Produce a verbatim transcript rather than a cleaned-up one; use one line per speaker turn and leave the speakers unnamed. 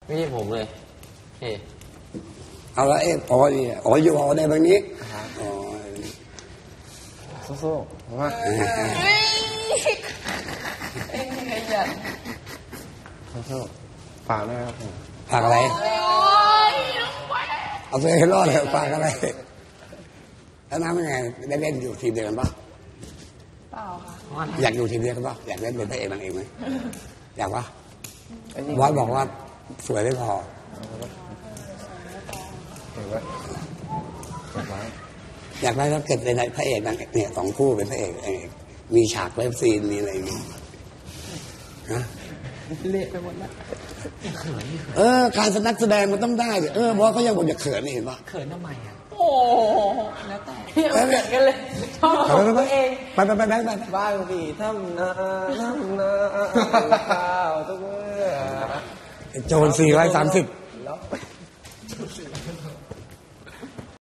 ไม่ใช่ผมเลยเฮ้
เอาละเอ๊ะอ๋อนี่อ๋ออยู่อ๋อในแบบนี้อ๋อ
สู้ๆเพราะว่าสู้ๆฝากด้วยครับผม
ฝากอะไรเอาตัวเองให้รอดเลยฝากอะไรแล้วน้ำเป็นไงได้เล่นอยู่ทีมเดียวกันปะ
เปล่าค่ะ
อยากอยู่ทีมเดียวกันปะอยากเล่นเป็นพระเอกนางเอกไหมอยากปะบอสบอกว่าสวยไม่พออยากได้ถ้าเกิดเป็นพระเอกนางเอกเนี่ยสองคู่เป็นพระเอกเอกมีฉากเลิฟซีนมีอะไรอย่างเงี้ยฮะ
เละไปหมดแล้ว
เออการนักแสดงมันต้องได้เออบอสเขายังบอกอย่าเขินนี่เห็นปะ
เขินทำไมอ่ะ
โอ้แล้วแต่เหมือนกันเลยชอบตัวเอง
ไปไปไปไปไป
บ้านพี่ทำนาทำนาข้าวทุกเมื่อ
โจรสี่ร้อยสามสิบ